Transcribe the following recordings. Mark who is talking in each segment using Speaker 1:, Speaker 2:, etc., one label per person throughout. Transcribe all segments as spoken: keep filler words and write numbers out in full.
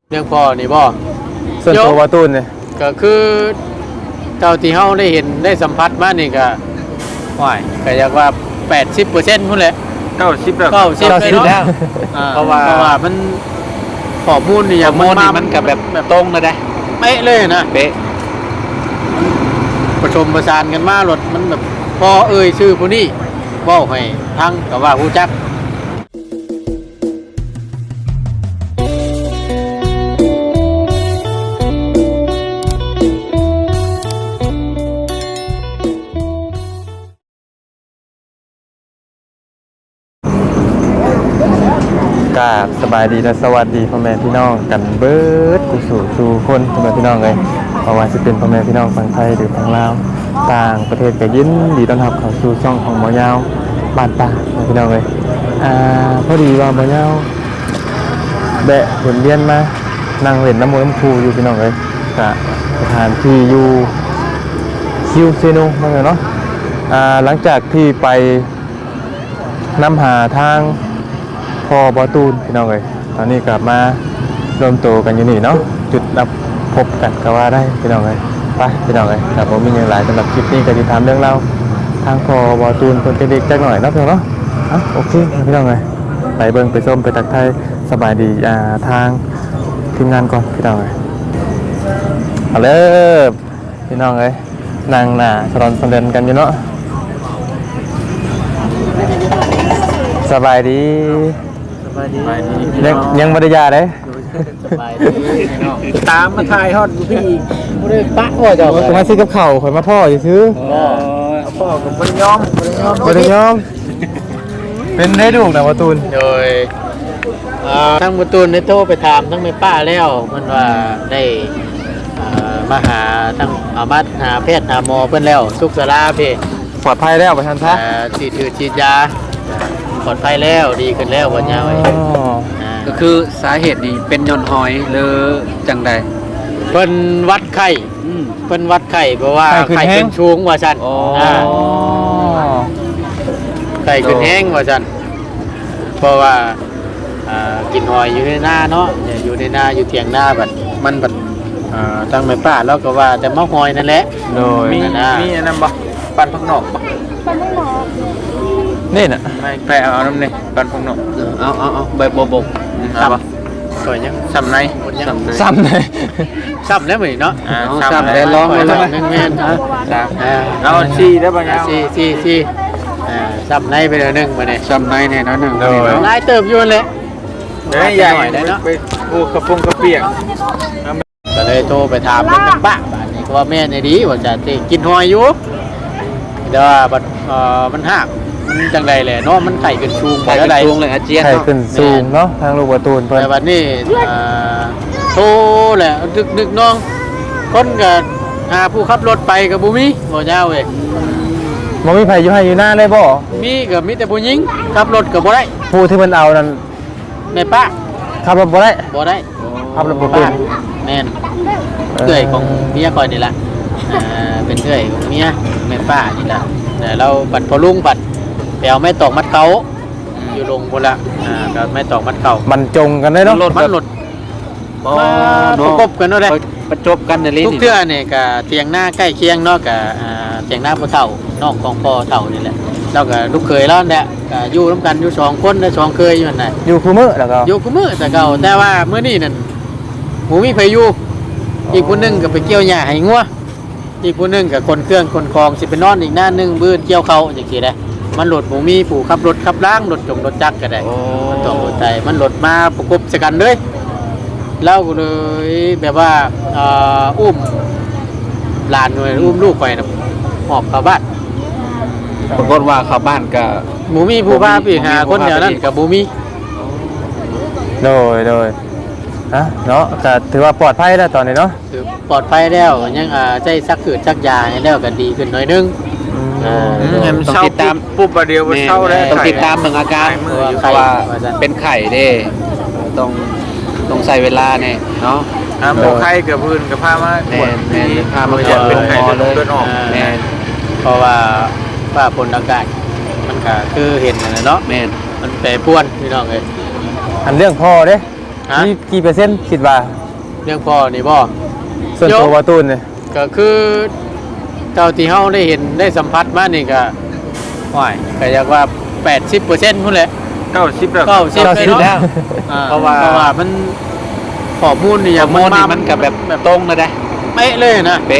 Speaker 1: เรื่องพ่อนี่บ่
Speaker 2: ส่วนตัววาตูนเนี่ย
Speaker 1: ก็คือเท่าที่เฮาได้เห็นได้สัมผัสมานี่ก็ว่ายก็อยากว่า แปดสิบเปอร์เซ็นต์ พุ่นแหละ
Speaker 3: เก้าสิบแล้ว
Speaker 1: เก้าสิบ
Speaker 2: แล้ว
Speaker 1: เพราะว่าเพราะว่ามันข้อมูลนี่อย่างมันมา
Speaker 3: มันก็แบบตรงเลยได้
Speaker 1: เป๊ะเลยนะ
Speaker 3: เป๊ะ
Speaker 1: ประชมประสานกันมารถมันแบบพอเอ่ยชื่อผู้นี้เว้าให้ทั้งก็ว่าฮู้จัก
Speaker 2: กราบสบายดีและสวัสดีพ่อแม่พี่น้องกันเบิดกุศลสู่คนพ่อแม่พี่น้องเลยเพราะว่าจะเป็นพ่อแม่พี่น้องฝั่งไทยหรือฝั่งลาวต่างประเทศก็ยินดีต้อนรับเข้าสู่ช่องของหมอยาวบ้านป่าพ่อแม่พี่น้องเลยอ่าพอดีว่าหมอยาวแบะเห็นเรียนมานั่งเล่นน้ำมูน้ำคูอยู่พี่น้องเลยกับสถานที่อยู่คิวเซโนมาเลยเนาะอ่าหลังจากที่ไปนำหาทางพอบอตูนพี่น้องเลยตอนนี้กลับมารวมตัวกันอยู่นี่เนาะจุดนับพบกันก็ว่าได้พี่น้องเลยไปพี่น้องเลยแต่ผมมีอย่างหลายสำหรับคลิปนี้ก็จะทำเรื่องเล่าทางพอบอตูนคนเด็กๆจักหน่อยเนาะพี่น้องเนาะอ่ะโอเคพี่น้องเลยไปเบิ้งไปส้มไปตักไทยสบายดีอ่าทางทีมงานก่อนพี่น้องเลยเอาเลยพี่น้องเลยนางหน้าสลอนสำเร็จกันอยู่เนาะสบายดี
Speaker 1: สบายดี
Speaker 2: ยังยังบริยาเลย
Speaker 1: สบายดีตามมาถ่ายฮอดพี่อีกบ่ได้ปะว่าเจ้าก็
Speaker 2: มาซื้อกับข้าวข่อยมาพ่อสิซื้อ
Speaker 1: อ๋อพ่อก็บ่ได้ยอมบ่ได้ยอม
Speaker 2: บ่ได้ยอมเป็นได้ลูกนะประตูน
Speaker 1: โดยอ่าทั้งประตูนได้โทรไปถามทั้งแม่ป้าแล้วเพิ่นว่าได้อ่ามาหาทั้งเอามาหาแพทย์หาหมอเพิ่นแล้วสุขศาลาพี่
Speaker 2: ปลอดภัยแล้วประธานท่า
Speaker 1: อ่าฉีดถือฉีดยาปลอดภัยแล้วดีขึ้นแล้ววันยาว
Speaker 3: ก็คือสาเหตุนี้เป็นย้อนหอยหรือจังใด
Speaker 1: เพิ่นวัดไข้เพิ่นวัดไข้เพราะว่าไข้ขึ้นสูงว่าซั่นอ่าไข้ขึ้นแห้งว่าซั่นเพราะว่าอ่ากินหอยอยู่ในนาเนาะอยู่ในนาอยู่เถียงนาบัดมันบัดอ่าตั้งแม่ป้าแล้วก็ว่าแต่มะหอยนั่นแหละ
Speaker 2: โดย
Speaker 3: มีมีอันนั้นบ่ปันพักนอกบ่
Speaker 4: ปันพักนอก
Speaker 2: นี่น่ะ
Speaker 3: ไม่ไปเอาน้ำนี่ปันพักนอก
Speaker 1: เอาเอาเอาใบบบบซ้ำสวยยัง
Speaker 3: ซ้ำใน
Speaker 2: ซ้ำเลย
Speaker 1: ซ้ำแล้วมั้ยเนาะ
Speaker 3: ซ้ำแล้วร้องเลย
Speaker 1: แม่นๆฮะ
Speaker 3: เอาซีได้ป่ะเนี่ย
Speaker 1: ซีซีซีอ่าซ้ำในไปเลยนึงมาเนี่ย
Speaker 3: ซ้ำในเนี่ยน้อยหนึ่ง
Speaker 1: หลายเติบอยู่เลย
Speaker 3: เฮ้ยใหญ่เนาะไปปูกระพงกระเปียก
Speaker 1: ก็เลยโทรไปถามเรื่องป้าบ้านนี้ก็ว่าแม่ในดีว่าจะกินหอยอยู่เดี๋ยวบัดเอ่อมันหักมันจังไรแหละเนาะมันไข่ขึ้นสูง
Speaker 3: ไข่ขึ้นสูงเลยอาเจียน
Speaker 2: ไข่ขึ้นสูงเนาะทางลูกประตูน
Speaker 1: เพิ่นแต่บัดนี้อ่าโทรแหละดึกดึกน้องคนก็หาผู้ขับรถไปกับบุมีบ่ยาวเว้ย
Speaker 2: บ่มีไผอยู่ให้อยู่หน้าได้บ่
Speaker 1: มีก็มีแต่ผู้หญิงขับรถก็บ่ได้
Speaker 2: ผู้ที่มันเอานั่น
Speaker 1: แม่ป้า
Speaker 2: ขับรถบ่ได้
Speaker 1: บ่ได้
Speaker 2: ขับรถบ่เป็น
Speaker 1: แม่นเอื้อยของเมียก่อนนี่ล่ะอ่าเป็นเอื้อยของเมียแม่ป้านี่ล่ะแต่เราปัดพอลุงปัดแปลวไม่ตอกมัดเขาอยู่ลงพุ่นละอ่าก็ไม่ตอกมัดเขา
Speaker 2: มันจงกันได้เนาะ
Speaker 1: รถมันรถมาประกบกันเนาะเด้
Speaker 3: ประจบกันในลิ้น
Speaker 1: ทุกเทื่อนี่ก็เถียงหน้าใกล้เคียงเนาะก็อ่าเถียงหน้าพ่อเฒ่าน้องของพ่อเฒ่านี่แหละเราก็ลูกเขยแล้วเนี่ยก็อยู่ร่วมกันอยู่สองคนได้สองเคยอยู่นั่นน่ะ
Speaker 2: อยู่คู่มื้อแล้วก็
Speaker 1: อยู่คู่มื้อแต่เก่าแต่ว่ามื้อนี้นั่นหมูมีไผอยู่อีกคนนึงก็ไปเกี่ยวหญ้าให้งัวอีกคนนึงก็คนเครื่องคนคลองสิไปนอนอีกหน้านึงบื้นเกี่ยวเขาจังซี่แหละมันรถหมูมีผู้ขับรถขับล้างรถจงรถจักรก็ได้มันต้องรถใจมันรถมาประกบสกันเลยเล่าเลยแบบว่าอุ้มหลานหน่วยอุ้มลูกไปนะหอบเข้าบ้าน
Speaker 3: ปรากฏว่าเข้าบ้านก็
Speaker 1: หมูมีผู้พาไปหาคนเดียวนั่นกับหมูมี
Speaker 2: โดยโดยฮะเนาะก็ถือว่าปลอดภัยแล้วตอนนี้เนาะ
Speaker 1: ถือปลอดภัยแล้วยังใจซักขืดซักยาให้แล้วก็ดีขึ้นหน่อยนึง
Speaker 3: ต้องติดตามปุ๊บประเดี๋ยวเช้าได้ต้องติดตามเบิ่งอาการเพราะว่าเป็นไข่เด้ต้องต้องใส่เวลาเนี่ยเนาะ
Speaker 1: อ่าหมอไข้กับพื้นกับผ้ามา
Speaker 3: แม่แม่ผ้ามา
Speaker 1: จะเป็นไข้เลือดออกแม่เพราะว่าว่าผลอากาศมันก็คือเห็นนะเนาะ
Speaker 3: แม่
Speaker 1: มันแปรปรวนพี่น้องเอ้ย
Speaker 2: อันเรื่องพ่อเด้
Speaker 1: ฮะ
Speaker 2: มีกี่เปอร์เซ็นต์คิดว่า
Speaker 1: เรื่องพ่อนี่บ่
Speaker 2: ส่วนตัวบ่ตูนเนี่ย
Speaker 1: ก็คือเท่าที่เฮาได้เห็นได้สัมผัสมานี่ก็ห่วยก็อยากว่า แปดสิบเปอร์เซ็นต์ พุ่นแหละ
Speaker 3: เก้าสิบแล้ว
Speaker 1: เก้าสิบ
Speaker 2: เก้าสิบ
Speaker 1: เลย
Speaker 2: แล้
Speaker 1: เนาะ
Speaker 2: ว
Speaker 1: อ่า
Speaker 3: เพราะว่า
Speaker 1: เพราะว่ามันข้อมูลนี่อ
Speaker 3: ข้
Speaker 1: ย่า
Speaker 3: อง มูลนี่มันก็แบบ
Speaker 1: แบบ
Speaker 3: ตรงเลยนะ
Speaker 1: เป๊ะเลยนะ
Speaker 3: เป๊ะ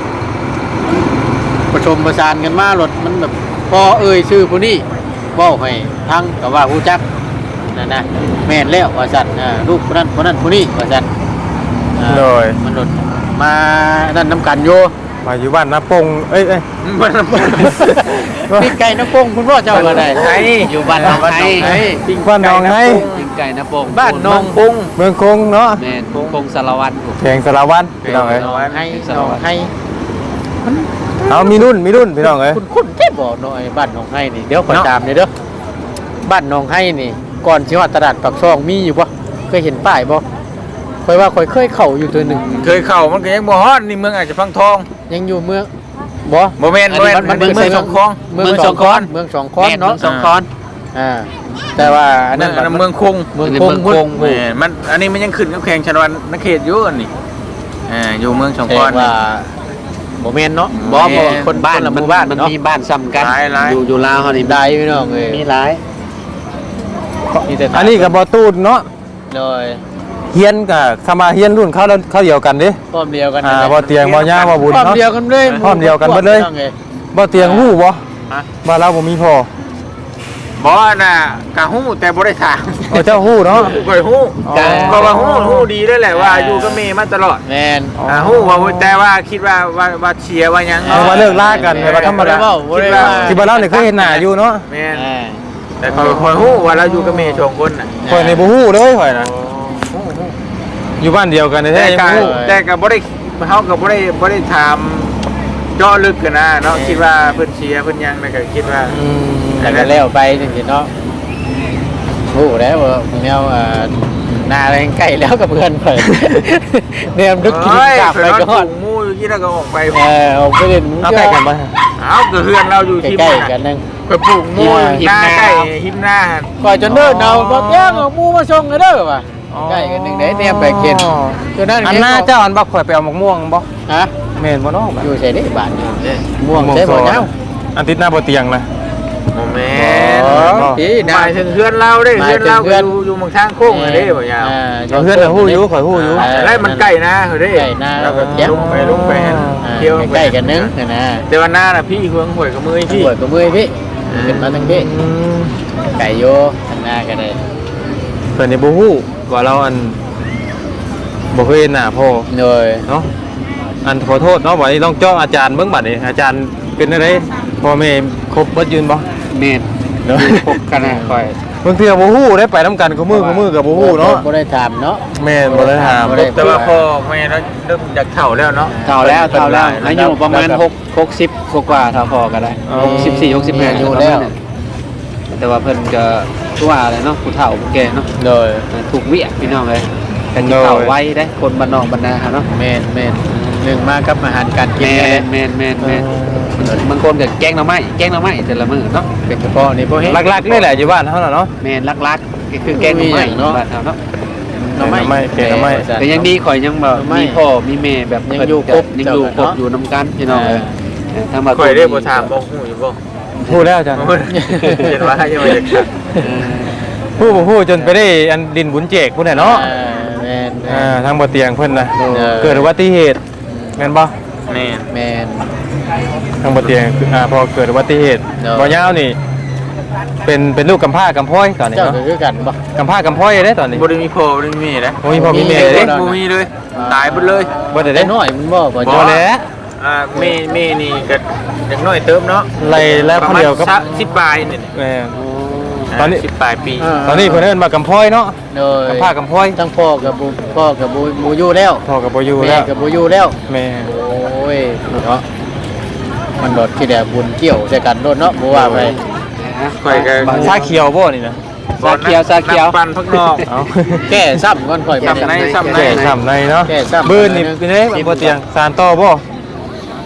Speaker 1: ประชมประสานกันมารถมันแบบพอเอ่ยชื่อผู้นี้เว้าให้ทั้งก็ว่าฮู้จักนั่นนะแม่นแล้วว่าซั่นอ่าลูกผู้นั้นผู้นั้นผู้นี้ว่าซั่นอ่า
Speaker 2: โดย
Speaker 1: มันรถมานั่นนํกันอยู่
Speaker 2: มาอยู่บ้านนาปงเอ้ยเอ้ย
Speaker 3: มัน
Speaker 1: ปิ้งไก่น้ำปงคุณพ่อเจ้าก็ได้
Speaker 3: ไห้อยู่บ้านน้องไห้
Speaker 1: ปิ้ง
Speaker 2: บ้านน้องให้
Speaker 3: ปิ้งไก่นะโป่ง
Speaker 1: บ้านน้องปุง
Speaker 2: เมืองคงเนาะ
Speaker 3: แม่นคงสารวัตร
Speaker 2: แข่งสารวัตรพี่น้องเอ้ย
Speaker 1: น้องให้น้องให้
Speaker 2: เอามีรุ่นมีรุ่นพี่น้องเอ้ย
Speaker 1: คุณคุณแค่บอกหน่อยบ้านน้องให้นี่เดี๋ยวขอ
Speaker 2: เนาะ
Speaker 1: ตามหน่อยเด้อบ้านน้องให้นี่ ก่อนสิว่าตลาดปากซองมีอยู่บ่เคยเห็นป้ายบ่คอยว่าคอยเคยเข้าอยู่ตัวหนึ่ง
Speaker 3: เคยเข้ามันก็ยังบ่ฮอดนี่เมืองอาจจะพังทอง
Speaker 1: ยังอยู่เมืองบ่
Speaker 3: บ่แม่นบ่แม่นมันเมืองสองคลอง
Speaker 1: เมืองสองคอนเมืองสองคอนเนาะ
Speaker 3: เมืองสองคอน
Speaker 1: อ่าแต่ว่าอัน
Speaker 3: เมื
Speaker 1: นั้
Speaker 3: อง
Speaker 1: น
Speaker 3: อันนั้นเมืองคง
Speaker 1: เมือง
Speaker 3: อันนี้
Speaker 1: คง
Speaker 3: เมืองคง
Speaker 1: เมือง
Speaker 3: แม่นมันอันนี้มันยังขึ้นกับแข่งชนวันนักเขตอยู่อันนี้อ่าอยู่เมืองสอง
Speaker 1: แส
Speaker 3: ค
Speaker 1: ด
Speaker 3: อน
Speaker 1: งว่าบ่แม่นเนาะบ่
Speaker 3: แม่
Speaker 1: บ่คน
Speaker 3: บ้าน
Speaker 1: ละห
Speaker 3: มัน
Speaker 1: มู่บ้าน
Speaker 3: มัน
Speaker 1: เนาะ
Speaker 3: มีบ้านซ้ำกัน
Speaker 2: หลายหลาย
Speaker 3: อยู่อยู่ลาวเฮานี่
Speaker 1: ได้พี่น้องเอ้ย
Speaker 3: มีหลาย
Speaker 1: มีแต่
Speaker 2: อันนี้กับบ่ตูนเนาะ
Speaker 1: โดย
Speaker 2: เฮียนกับคำว่าเฮียนรุ่นเขาแล้วเขาเดียวกันเด้
Speaker 1: พร้อมเดียวกัน
Speaker 2: อ่า
Speaker 1: นั่นแห
Speaker 2: บ่
Speaker 1: ละ
Speaker 2: เตียงบ่ย่าบ่บุญ
Speaker 1: พร้อม
Speaker 2: เนาะ
Speaker 1: เดียวกันเลย
Speaker 2: พร้อมเดียวกันเบิดเลย
Speaker 1: พร้อมอ้
Speaker 2: บ่เตียงฮู้บ่
Speaker 3: ฮะ
Speaker 2: บ้านเราบ่มีพ่อ
Speaker 3: บ่น่ะกะฮู้แต่บ่ได้ถาม
Speaker 2: เอาเจ้าฮู้เนาะ
Speaker 3: ก็ฮู้
Speaker 2: อ๋อ
Speaker 3: แต่ก็ว่าฮู้ฮู้ดีด้วยแหละว่าอยู่กับเมย์มาตลอด
Speaker 1: แม่น
Speaker 2: อ๋อ
Speaker 3: อ่าฮู้ว่าแต่ว่าคิดว่าว่าว่าเชียร์ว่าหยัง
Speaker 2: เอาว่าเลิกลากันแบบว่าธรรมดา
Speaker 1: บ่ได้ว่า
Speaker 2: ที่บ้านเราเนี่ยเคยเห็นหน้าอยู่เนาะ
Speaker 3: แม่น
Speaker 1: อ่า
Speaker 3: แต่คอยคอยฮู้ว่าเราอยู่กับเมย์สองคนน่ะ
Speaker 2: ข่อยนี่บ่ฮู้เลยข่อยน่ะอยู่บ้านเดียวกันแท้
Speaker 3: แต่
Speaker 2: ๆยัง
Speaker 3: ก็
Speaker 2: บ่ฮู้
Speaker 3: แต่ก็บ่ได้เฮาก็บ่ได้บ่ได้ถามเจาะลึกกันนะเนาะคิดว่าเพิ่นเชียร์เพิ่นหยังแล้วก็คิดว่า
Speaker 2: อืม
Speaker 1: แต่ก็แล้วไปจังซี่เนาะโอ้แล้วว่าแนวอ่าหน้าอะไรใกล้แล้วกับเพื่อนเพิ่นแนวนึกกินกลับไปก็ฮอด
Speaker 3: หมู่อยู่ที่แล้วก็ออกไป
Speaker 1: เออเอาไปเล่น
Speaker 2: เอาใกล้กันบ่
Speaker 3: เอาก็เฮือนเราอยู่ที่
Speaker 1: ใกล้
Speaker 3: นั่น
Speaker 1: ๆกันนึง
Speaker 3: ก็ปลูกหมู่หิมหน้าใกล้หิมหน้า
Speaker 1: ก่อนจนเดินเอาบ่แย่งเอาหมู่มาส่งกันเด้อว่ะใกล้กันนึงได้แนมไปเข็นจนนั้น
Speaker 2: อันหน้าเจ้าอันบ่ข่อยไปเอามะม่วงบ่
Speaker 1: ฮะ
Speaker 2: แม่นบ่เนาะบัด
Speaker 1: อยู่ใส่ได้บ้านอยู่ม่วงใส่บ่ยาว
Speaker 2: อันติดหน้าบ่เตียงนะ
Speaker 3: โมเมน
Speaker 1: อ๋
Speaker 3: ต์
Speaker 1: อที่
Speaker 3: ห
Speaker 1: ได้
Speaker 3: มายถึงเพื่อนเราเด้
Speaker 1: หมาย
Speaker 3: เพื่อน
Speaker 1: ถึง
Speaker 3: เรา
Speaker 1: เพื่
Speaker 3: ก็
Speaker 1: อน
Speaker 3: อยู่อยู่เมืองทางโค้งเลยเด้บ่ยาว
Speaker 1: อ่า
Speaker 2: เพื่อนน่ะฮู้อยู่ข่อยฮู้อยู่
Speaker 1: อ่า
Speaker 3: แล้วมันใกล้นะเฮ้ยเด้
Speaker 1: ใกล้นะ
Speaker 3: แล้วก็
Speaker 1: เดี๋ยว
Speaker 3: ลุกไปลุกไปหั่น
Speaker 1: อ่า
Speaker 3: เที่ยว
Speaker 1: ใกล้ๆกันนึงนะนะ
Speaker 3: แต่ว่าหน้าน่ะพี่เฮืองหวยกับมือ
Speaker 1: พี่
Speaker 3: พี่
Speaker 1: ปวดกับมือพี่ขึ้นมาทั้งพี่
Speaker 2: อืม
Speaker 1: ไก่โยข้างหน้าก็ได้
Speaker 2: เพิ่นนี่บ่ฮู้ว่าเราอันบ่เคยเห็นหน้าพ่อ
Speaker 1: โดย
Speaker 2: เนาะอันขอโทษเนาะบัดนี้ต้องจ้องอาจารย์เบิ่งบัดนี้อาจารย์เป็นจังไดพ่อแม่ครบเบิดยืนบ่
Speaker 3: เมนพบกันนะคอย
Speaker 2: บางเทื่อบ่ฮู้ได้ไปนํกันคู่มือคู่มือก็บ่ฮู้เนาะ
Speaker 1: บ่ได้ถามเนาะ
Speaker 2: แม่นบ่ได้ถาม
Speaker 1: บ่ได้
Speaker 3: แต่ว่าพ่อแม่เราเริ่มจากเฒ่าแล้วเนาะ
Speaker 1: เท่าแล้วเท่าแล้ว
Speaker 3: อายุประมาณหก
Speaker 1: หกสิบกว่าเท่าพอกันได้
Speaker 2: อ๋อ
Speaker 3: หกสิบสี่หกสิบห้า
Speaker 1: อยู่แล้ว
Speaker 3: แต่ว่าเพิ่นก็คือว่าอะไรเนาะผู้เฒ่าผู้แก่เนาะ
Speaker 1: โดย
Speaker 3: ถูกเวียพี่น้องเลยกันเฒ่าไว้ได้คนบ้านนอกบ้านนาเนาะ
Speaker 1: แม่นแม่นหนึ่งมากับอาหารการกิน
Speaker 3: แม
Speaker 1: กัน
Speaker 3: นแมนแมนแมนบางคนก็แกงหน่อไม้แกงหน่อไม้แต่ละมื้อเนาะ
Speaker 1: เป็นเฉพาะนี่บ่เฮ็ด
Speaker 2: หลักๆนี่แหละอยู่บ้านเฮาน่ะเนาะ
Speaker 3: แมนลักๆก็คือแกงหน่อไม้
Speaker 1: มีอย่างเนาะ
Speaker 3: บ้านเฮาเนาะ
Speaker 1: หน่อไม้
Speaker 2: หน่อไม้แกงหน่อไม้
Speaker 3: แต่ยังดีข่อยยังแบบ
Speaker 1: หน่อไม้
Speaker 3: มีพ่อมีแม่แบบ
Speaker 1: ยังอยู่ครบ
Speaker 3: ยังอยู่ครบ
Speaker 1: เจ้ากันเนาะ
Speaker 3: อยู่นำกันพี่น้องเลยทางบ้าน
Speaker 4: ข่อยได้บ่ถามบ่ฮู้อยู่บ่
Speaker 2: ฮู้แล้วอาจารย์
Speaker 4: เห็นว่ายังไม่ได้ถาม
Speaker 2: ฮู้บ่ฮู้จนไปได้อันดินบุญเจกพุ่นน่ะเนาะ
Speaker 1: อ่าแม่นแม่
Speaker 2: อ่าน ทางบ่เตียงเพิ่นน่ะ
Speaker 1: เออ
Speaker 2: เกิดอุบัติเหตุแม่นบ่
Speaker 4: แม่น
Speaker 1: แม่น
Speaker 2: ทางบ่เตียงคืออ่าพอเกิดอุบัติเหตุ
Speaker 1: เนอะ
Speaker 2: บ่ยาวนี่ เป็นเป็นลูกกำพร้ากำพร้อยตอนนี้
Speaker 1: เจ้า
Speaker 2: เนาะ
Speaker 1: ก็คือกันบ่
Speaker 2: กำพร้ากำพร้อยเด้ตอนนี้
Speaker 4: บ่ได้มีพ่อบ่ได้มีแม่นะ
Speaker 2: บ่มีพ่อมีแม่
Speaker 1: มี
Speaker 2: เด้
Speaker 1: เด้
Speaker 4: บ่มีเลย ตายหมดเลย
Speaker 2: บ่ได้
Speaker 1: แต่
Speaker 2: เด้
Speaker 1: น้อยมันบ่บ่
Speaker 2: บ่
Speaker 1: จ้า
Speaker 2: แหล้ว
Speaker 4: อ่าแม่แม่นี่ก็อย่างน้อยเติมเนาะ
Speaker 2: ไล่แล้ว
Speaker 4: ประ
Speaker 2: คน
Speaker 4: มาณ
Speaker 2: เดียวกับ
Speaker 4: สิบปลายนี่
Speaker 2: แม่ ต
Speaker 4: ต
Speaker 2: อ
Speaker 4: อน น
Speaker 2: นี้
Speaker 4: นี้สิบปลายปี
Speaker 2: ตอนนี้เพิ่นเอิ้นมากำพร้อยเนาะ
Speaker 1: โดย
Speaker 2: กำพร้ากำพร้อย
Speaker 1: ทั้งพ่อกับบุพ่อกับบุบูอยู่แล้ว
Speaker 2: พ่อก็บ่อยู่
Speaker 1: แม่
Speaker 2: แล้ว
Speaker 1: กับบุอยู่แล้ว
Speaker 2: แม่
Speaker 1: โอ้ยเนาะมันโดดที่แดบุญเกี่ยวใส่กันโดดเนาะบ่ว่าไป
Speaker 4: ข่อยก็
Speaker 2: ชาเขียวบ่นี่นะ
Speaker 3: ซาเขียวซาเขียว
Speaker 4: น้ำปั่นพักนอก
Speaker 2: เอา
Speaker 1: แก้ซ้ำก่อนค่อย
Speaker 4: ซ้ำในซ้ำใน
Speaker 2: แก่ช้ำในเนาะ
Speaker 1: แก่ช้ำ
Speaker 2: บื้นนี่เป็นไงมันบ่เตียงสารต่อบ่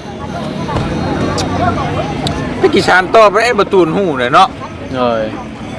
Speaker 4: พี่กิชานต่อไปไอ้ประตูนหูเลยเนาะ
Speaker 1: โอ้ย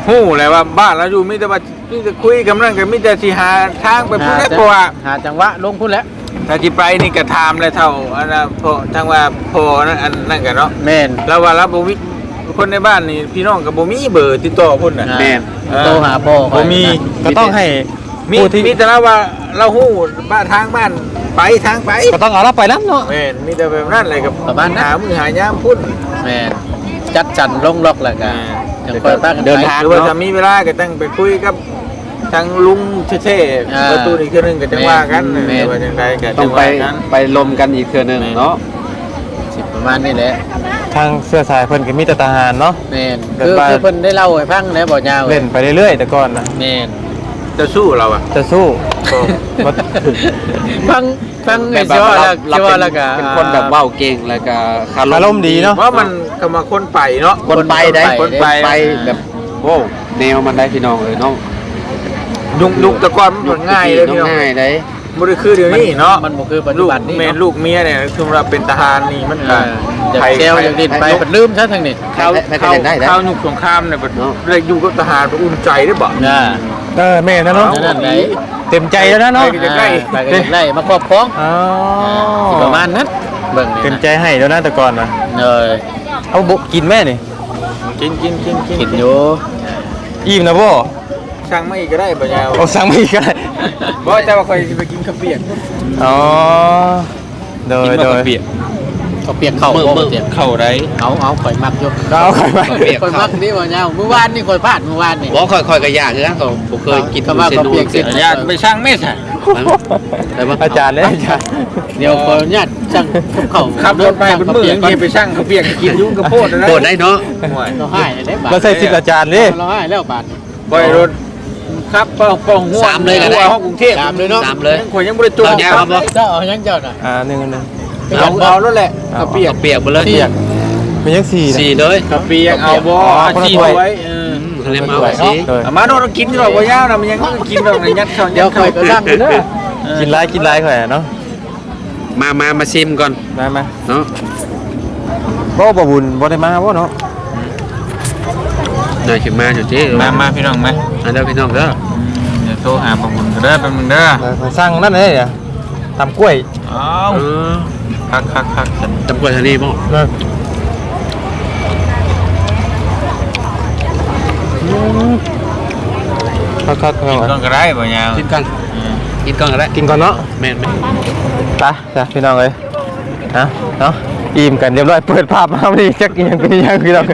Speaker 4: ฮู้เลยว่าบ้านเราอยู่มีแต่ว่ามีแต่คุยกันนั่นก็มีแต่สิหาทางไปพุ่นแหละเพราะว่า
Speaker 1: หาจังหวะลงพุ่นแล้ว
Speaker 4: ถ้าสิไปนี่ก็ถามเลยเท่าอันน่ะพอทางว่าพอนั่นอันนั่นก็เนาะ
Speaker 1: แม่น
Speaker 4: แล้วว่าเราบ่มีคนในบ้านนี่พี่น้องก็บ่มีเบอร์ติดต่อพุ่นน่ะ
Speaker 1: อ่า
Speaker 3: แม่น
Speaker 1: โทรหาพ่อ
Speaker 4: บ่มี
Speaker 2: ก็ต้องให้
Speaker 4: มี
Speaker 2: ผู้ที่
Speaker 4: มีแต่เราว่าเราฮู้บ้านทางบ้านไปทางไป
Speaker 2: ก็ต้องเอาเราไปนํเนาะ
Speaker 4: แม่นมีแต่แบบนั้นเลยกับ
Speaker 1: ประมาณนั้น
Speaker 4: หามือหายามพุ่น
Speaker 1: แม่นจัดจันลงล็อกแล้วก็จังค่อยพากัน
Speaker 3: เดิน
Speaker 1: ไป
Speaker 3: ทาง
Speaker 4: หรือว่าถ้ามีเวลาก็ตั้งไปคุยกับทางลุงเท่
Speaker 1: อ่า
Speaker 4: ๆประตูอีกเทื่อนึงก็จังว่ากัน
Speaker 1: แม่น
Speaker 4: ว่าจังไดก็
Speaker 3: ต้
Speaker 4: จั
Speaker 3: อง
Speaker 4: ง
Speaker 3: ไป
Speaker 4: ว่ากัน
Speaker 3: ไปลมกันอีกเทื่อหนึงเนาะ
Speaker 1: สิประมาณนี้แหละ
Speaker 2: ทางเสื้อสายเพิ่นก็มีแต่ทหารเนาะ
Speaker 1: แม่น
Speaker 2: เดิน
Speaker 1: คือ
Speaker 2: ไป
Speaker 1: คือเพิ่นได้เล่าให้ฟังแล้วบ่ยาว
Speaker 2: เล่นไปเรื่อยๆแต่ก่อนนะ
Speaker 1: แม่น
Speaker 4: จะสู้เราอ่ะ
Speaker 2: จะสู้ บ่
Speaker 1: ฟังฟัง
Speaker 3: แบ
Speaker 1: ไอ้
Speaker 3: บ
Speaker 1: สิว่า
Speaker 3: เรา
Speaker 1: แล้ว
Speaker 3: เรา
Speaker 1: สิ
Speaker 3: เป็
Speaker 1: ว่าน แล้วก็
Speaker 3: เป็นคนแบบเว้าเก่งแล้วก็คาร
Speaker 2: อารมณ์ดีเนาะ
Speaker 4: ว่ามันก็มาคนไปเนาะ
Speaker 3: คนไปได้
Speaker 4: คนไป
Speaker 3: ไปแบบโว้แนวมันได้พี่น้องเอ้ยเนาะ
Speaker 4: ยุงยุงแตะกอนมันผลง่ายเลยพี่น้อง
Speaker 3: ง่ายได้
Speaker 4: บ่ได้คือเดี๋ยวนี้เนาะ
Speaker 1: มันบ่คือปัจจุ
Speaker 4: ลูก
Speaker 1: บันนี้
Speaker 4: แม่
Speaker 1: เนาะ
Speaker 4: ลูกเมียเนี่ยคือเราเป็นทหารนี่มัน
Speaker 1: เอ
Speaker 4: ก็
Speaker 1: ออยากแซวอยากดิ้นไปปัดลืมซะทั้งนี้
Speaker 4: เข้า
Speaker 3: ให้ให้
Speaker 4: เข้า
Speaker 3: ให้ได้ได้
Speaker 4: เข้ายุคสงครามเนี่ยบ่
Speaker 3: เนาะ
Speaker 4: ได้อยู่กับทหารบ่อุ่นใจได้บ่
Speaker 1: น่ะ
Speaker 2: เออแม่นะเนาะ
Speaker 1: นั่นไหน
Speaker 2: เต็มใจแล้วนะเนาะ
Speaker 4: ไปใกล้
Speaker 1: ไปก็อยากได้มาครอบครอง
Speaker 2: อ๋อ
Speaker 1: สิประมาณนั้นเบิ่งนี่
Speaker 2: เต็ม
Speaker 1: นะ
Speaker 2: ใจให้แล้วนะแต่ก่อนนะ
Speaker 1: เออ
Speaker 2: เอาบุกินแม่นี่
Speaker 4: กินกินกินกิน
Speaker 1: คิดอยู่
Speaker 2: อิ่มนะบ่
Speaker 4: ช่างไม่อีกก็ได้บ่ยาว
Speaker 2: เอาสั่งมาอีกก็ได้
Speaker 4: บ่แต่ว่าค่อยสิไปกินข้าวเปียก
Speaker 2: อ๋อโดยโดย
Speaker 1: เขาเปียกเข้า
Speaker 3: มือ
Speaker 1: บ่
Speaker 3: มือ
Speaker 1: เปียก
Speaker 4: เข้าได้
Speaker 1: เอาเอาข่อยมักอยู่
Speaker 2: ก็เอาข่อยมา
Speaker 3: เปียก
Speaker 1: ข่อยมักนี่บ่ยาวเมื่อวานนี่ข่อยพลาดเมื่อวานนี่
Speaker 3: บ่ค่อยๆก็ยากคือกันก็บ่เคยกิน
Speaker 1: ก็ว่า
Speaker 3: เส้น
Speaker 1: ก็
Speaker 3: นู
Speaker 1: เปียก
Speaker 3: เส้น
Speaker 1: เส้น
Speaker 4: ญาติไปช่างไม่ใช่
Speaker 3: ได้บ่
Speaker 2: อาจารย์เลยอาจารย์
Speaker 1: เดี๋ยวขออนุญาตสั่งกับข้าว
Speaker 4: ขับรถไปเป็นมื้อยังสิไปช่างข้าวเปียกกินยุ่งกับโพดนะ
Speaker 3: โคตรได้เนาะ
Speaker 4: ห่วย
Speaker 1: เราให้ได้บาท
Speaker 2: เราใส่สิทธิ์อาจารย์ดิ
Speaker 1: เราให้แล้วบาท
Speaker 4: ปล่อยรถครับป้องป้องหัว
Speaker 3: สามเลยก็ได้
Speaker 4: หัวห้องกรุงเทพ
Speaker 1: สามเลยเนาะ
Speaker 3: สามเลย
Speaker 4: ยังข่อยยังบ่ได้จ
Speaker 3: เอายาวครับบ่
Speaker 1: เจ้าเอายังเจ้าน่ะ
Speaker 2: อ่าหนึ่งหนึ่ง
Speaker 4: เอาเอาแล้วแหละข้าวเปียก
Speaker 3: เปียกหมดเลย
Speaker 2: เปียกมันยังสี่นะ
Speaker 3: สี่เลย
Speaker 4: ข้าวเปียกเอาบ่
Speaker 2: อ๋อ
Speaker 4: อาชีพ
Speaker 2: คนละถ้วย
Speaker 4: ไว้เออ
Speaker 3: ทะเลมาสิ
Speaker 2: โดย
Speaker 4: เอามาโดนกินหรอกบ่ยาวนะมันยังกินแบบในยัดเข้า
Speaker 1: เดี๋ยวข่อยก็สั่งอยู่เด้อ
Speaker 2: กินไรกินไรข่อยอะเนาะ
Speaker 3: มามามาชิมก่อน
Speaker 2: มามา
Speaker 3: เนาะ
Speaker 2: บ่บ่บุญบ่ได้มาบ่เนาะ
Speaker 3: หน่อยขึ้นมาอยู่ที่
Speaker 4: มามาพี่น้องมา
Speaker 3: อันเด้อพี่น้องเด้อ
Speaker 4: เดี๋ยวโทรหาประมุนเด้อแป๊บนึงเด้อ
Speaker 2: เออข่อยสั่งนั่นเลยอ่ะตำกล้วย
Speaker 4: เอา
Speaker 3: เออ
Speaker 4: คักคักคัก
Speaker 3: ตำกล้วยทะเลบ่
Speaker 2: เออคักคัก
Speaker 4: กินก่อนก็ได้บ่ยาว
Speaker 3: กินกันกินก่อนก็ได้
Speaker 2: กินก่อนเนาะ
Speaker 3: แม่น
Speaker 2: ไปจ้ะพี่น้องเอ้ยนะเนาะอิ่มกันเรียบร้อยเปิดภาพมาพอดีจักอีหยังเป็นอีหยังพี่น้อง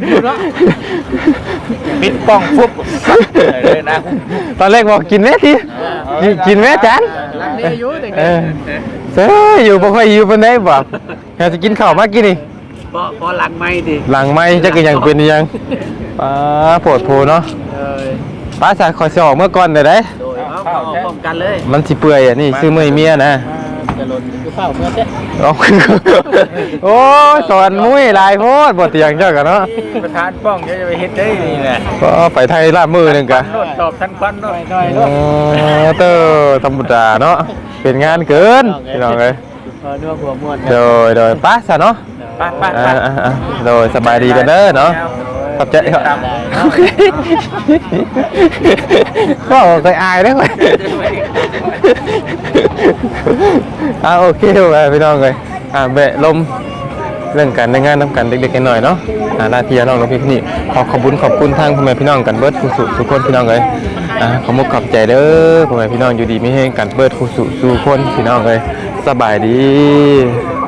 Speaker 4: ปิดป้องฟุบเลยนะ
Speaker 2: ตอนแรกบอกกินแม่ทีกินแม่จาน
Speaker 1: หลังนี้อยู่แต่
Speaker 2: เออเซ่อยู่บ่ค่อยอยู่ปานใดบ่อยากจะกินข้าวมากินนี่
Speaker 1: พอพอหลังไม่ดิ
Speaker 2: หลังไม่จักอีหยังเป็นอีหยังป้าโปวดโพเนาะ
Speaker 1: เออ
Speaker 2: ป้าสาคอยสิออกเมื่อก่อนได้เด้
Speaker 1: โดยเอาเข้าพร้อมกันเลย
Speaker 2: มันสิเปื่อยอ่ะนี่ซื้อมื้อให้เมียนะ
Speaker 1: จะหล่นคือข้าวเมื่อเช้
Speaker 2: เอาโอ้ยสอนมุ้ยหลายโพดบ่เตียงเจ้ากันเนาะ
Speaker 4: ประธานป้องเดี๋ยวจะไปเฮ็ดได้นี่แหละ
Speaker 2: ก็ไปไทยลาดมือหนึงกะ
Speaker 4: โนดตอบทันควันหน่อย
Speaker 1: หน่อย
Speaker 2: อ๋อเตอธรรมดาเนาะเป็นงานเกินพี่น้องเอ้ย
Speaker 1: เออนัวหัวม่วน
Speaker 2: โดยโดยป้าซะเนาะ
Speaker 4: ไปไปไป
Speaker 2: อ่าๆๆโดยสบายดีกันเด้อเนาะขอบใจครับก็เคยอายได้ไหมอ่าโอเคไปพี่น้องเลยอ่าเบะลมเรื่องการในงานนำกันเด็กๆกันหน่อยเนาะอ่าหน้าที่น้องน้องพี่นี่ขอขอบคุณขอบคุณทางพ่อแม่พี่น้องกันเบิร์ดคู่สุทุกคนพี่น้องเลยอ่าขอมุกขอบใจเด้อพ่อแม่พี่น้องอยู่ดีไม่แห้งกันเบิร์ดคู่สุทุกคนพี่น้องเลยสบายดี